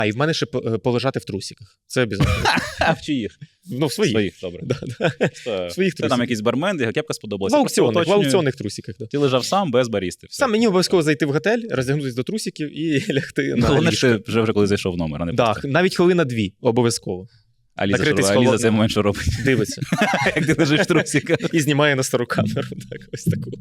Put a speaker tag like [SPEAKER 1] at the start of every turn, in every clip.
[SPEAKER 1] А і в мене ще полежати в трусиках. Це обов'язково.
[SPEAKER 2] А в чиїх?
[SPEAKER 1] Ну, в своїх.
[SPEAKER 2] Своїх, добре.
[SPEAKER 1] Да. В своїх
[SPEAKER 2] Це
[SPEAKER 1] трусиках.
[SPEAKER 2] там якийсь бармен, його кепка сподобалася.
[SPEAKER 1] В аукціонних трусиках. Да.
[SPEAKER 2] Ти лежав сам, без барісти. Все.
[SPEAKER 1] Сам мені обов'язково зайти в готель, роздягнутися до трусиків і лягти на
[SPEAKER 2] Головне,
[SPEAKER 1] ліжко.
[SPEAKER 2] що ти вже коли зайшов в номер, а не
[SPEAKER 1] Да,
[SPEAKER 2] просто.
[SPEAKER 1] навіть хвилина 2, обов'язково.
[SPEAKER 2] А Ліза,
[SPEAKER 1] накритись
[SPEAKER 2] що, а Ліза
[SPEAKER 1] холодним.
[SPEAKER 2] цей момент що робить?
[SPEAKER 1] Дивиться.
[SPEAKER 2] Як ти лежиш в трусиках.
[SPEAKER 1] І знімає на стару камеру. Так, ось таку.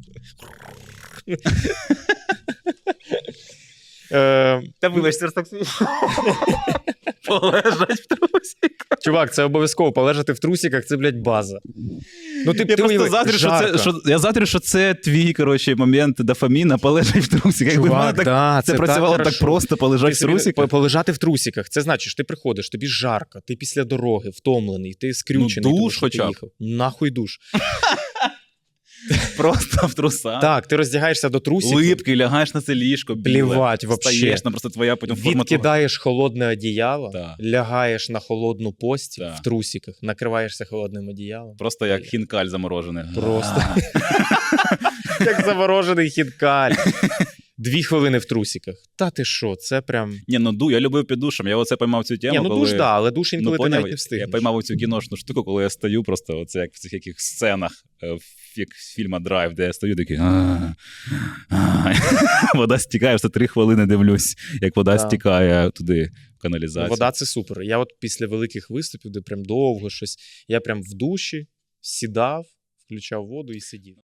[SPEAKER 2] Та вибач, це так полежать в трусиках.
[SPEAKER 1] Чувак, це обов'язково. Полежати в трусиках, це, блядь, база. Ну,
[SPEAKER 2] Я просто заздрю, що це твій, коротше, момент дофаміна, полежать в трусиках. Якби в мене
[SPEAKER 1] Чувак, да,
[SPEAKER 2] це працювало так
[SPEAKER 1] хорошо.
[SPEAKER 2] просто, полежать в трусиках.
[SPEAKER 1] Полежати в трусиках. Це значить, ти приходиш, тобі жарко, ти після дороги, втомлений, ти скрючений.
[SPEAKER 2] Ну, душ
[SPEAKER 1] тому що ти
[SPEAKER 2] хоча б.
[SPEAKER 1] їхав. Нахуй душ.
[SPEAKER 2] Просто в трусах.
[SPEAKER 1] Так, ти роздягаєшся до трусиків.
[SPEAKER 2] Липкий, лягаєш на це ліжко, біле.
[SPEAKER 1] Плівать вообще.
[SPEAKER 2] Встаєш, там просто твоя потім форма.
[SPEAKER 1] Відкидаєш холодне одіяло,
[SPEAKER 2] Да.
[SPEAKER 1] лягаєш на холодну постіль
[SPEAKER 2] Да.
[SPEAKER 1] в трусиках, накриваєшся холодним одіялом.
[SPEAKER 2] Просто як хінкаль заморожений.
[SPEAKER 1] Просто. Як заморожений хінкаль. 2 хвилини в трусиках. Та ти що, це прям...
[SPEAKER 2] Ні, ну я любив під душем. Я оце поймав цю тему,
[SPEAKER 1] Ні, ну
[SPEAKER 2] коли...
[SPEAKER 1] душ, да, але душ інколи ти
[SPEAKER 2] поняв,
[SPEAKER 1] навіть не встигнеш.
[SPEAKER 2] Я поймав цю кіношну штуку, коли я стою просто оце як в цих яких сценах фільма «Драйв», де я стою такий... Вода стікає, все 3 хвилини дивлюсь, як вода стікає туди в каналізацію.
[SPEAKER 1] Вода – це супер. Я от після великих виступів, де прям довго щось, я прям в душі сідав, включав воду і сидів.